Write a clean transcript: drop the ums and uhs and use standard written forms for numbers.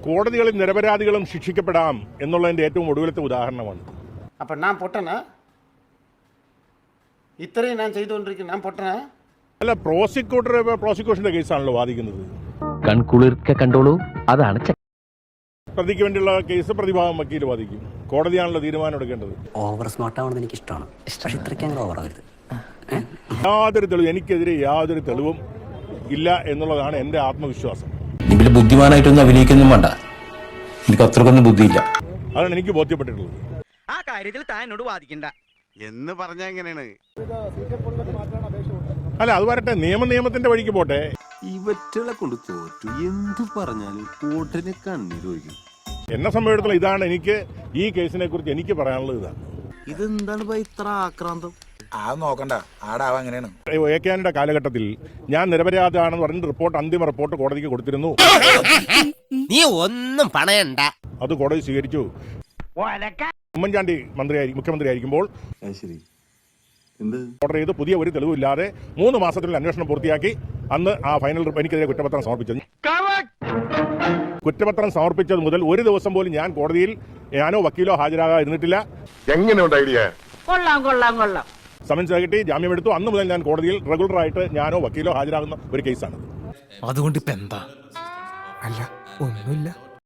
കോടതികളിൽ നിരപരാധികളും ശിക്ഷിക്കപ്പെടാം എന്നുള്ളതിന്റെ ഏറ്റവും ഒടുവിലത്തെ ഉദാഹരണമാണ്. അപ്പം ഞാൻ പൊട്ടനാ? ഇത്രയും ഞാൻ ചെയ്തുകൊണ്ടിരിക്കുന്നു, ഞാൻ പൊട്ടനാ? അല്ല, പ്രോസിക്യൂഷന്റെ കേസാണല്ലോ വാദിക്കുന്നത്. കൺകുളിർക്കെ കണ്ടോളൂ, അതാണ് പ്രതിക്ക് വേണ്ടിയുള്ള കേസ് പ്രതിഭാഗം വക്കീൽ വാദിക്കും. കോടതിയാണല്ലോ തീരുമാനം എടുക്കേണ്ടത്. ഓവർ സ്മാർട്ട് ആവുന്നത് എനിക്ക് ഇഷ്ടമാണ്. പക്ഷെ ഇത്രയ്ക്ക് അങ്ങനെ ഓവർ ആവരുത്. യാതൊരു തെളിവ്, എനിക്കെതിരെ യാതൊരു തെളിവും ഇല്ല എന്നുള്ളതാണ് എന്റെ ആത്മവിശ്വാസം. ബുദ്ധിമാനായിട്ടൊന്നും അഭിനയിക്കൊന്നും വേണ്ട, എനിക്ക് അത്രക്കൊന്നും ബുദ്ധിയില്ല. അതാണ് എനിക്ക് ബോധ്യപ്പെട്ടിട്ടുള്ളത്. ആ കാര്യത്തിൽ താൻ എന്നോട് വാദിക്കണ്ട എന്ന് പറഞ്ഞാ എങ്ങനെയാണ്? അല്ല, അത് വരട്ടെ, നിയമത്തിന്റെ വഴിക്ക് പോട്ടെ. ഇവറ്റകളെ കൊണ്ട് തോറ്റു എന്തു പറഞ്ഞാലും ഉടനെ കണ്ണീരൊഴുകും. എന്നെ സംബന്ധിച്ചിടത്തോളം ഇതാണ് എനിക്ക് ഈ കേസിനെ കുറിച്ച് എനിക്ക് പറയാനുള്ളത്. ഇതാണ്. ഇതെന്താണ് ഇത്ര ആക്രാന്തം? നോക്കണ്ട, ആടാവ അങ്ങനെയാണ്. എ.കെ.ആന്റണിയുടെ കാലഘട്ടത്തിൽ ഞാൻ നിരപരാധിയാണെന്ന് പറഞ്ഞ അന്തിമ റിപ്പോർട്ട് കോടതിക്ക് കൊടുത്തിരുന്നു. നീ ഒന്നും പണയണ്ട. അത് കോടതി സ്വീകരിച്ചു. ഉമ്മൻചാണ്ടി മുഖ്യമന്ത്രി ആയിരിക്കുമ്പോൾ ഓർഡർ ചെയ്ത് പുതിയ ഒരു തെളിവില്ലാതെ 3 മാസത്തിനുള്ളിൽ അന്വേഷണം പൂർത്തിയാക്കി അന്ന് ആ ഫൈനൽ എനിക്കെതിരെ കുറ്റപത്രം സമർപ്പിച്ചത്. കുറ്റപത്രം സമർപ്പിച്ചത് മുതൽ ഒരു ദിവസം പോലും ഞാൻ കോടതിയിൽ ഞാനോ വക്കീലോ ഹാജരാകാതിരുന്നിട്ടില്ല. എങ്ങനെയുണ്ട് ഐഡിയ? കൊള്ളാം. സമൻസ് കിട്ടി, ജാമ്യമെടുത്തു. അന്ന് മുതൽ ഞാൻ കോടതിയിൽ റെഗുലറായിട്ട് ഞാനോ വക്കീലോ ഹാജരാകുന്ന ഒരു കേസാണ്. അതുകൊണ്ട് ഇപ്പൊ എന്താ? അല്ല, ഒന്നുമില്ല.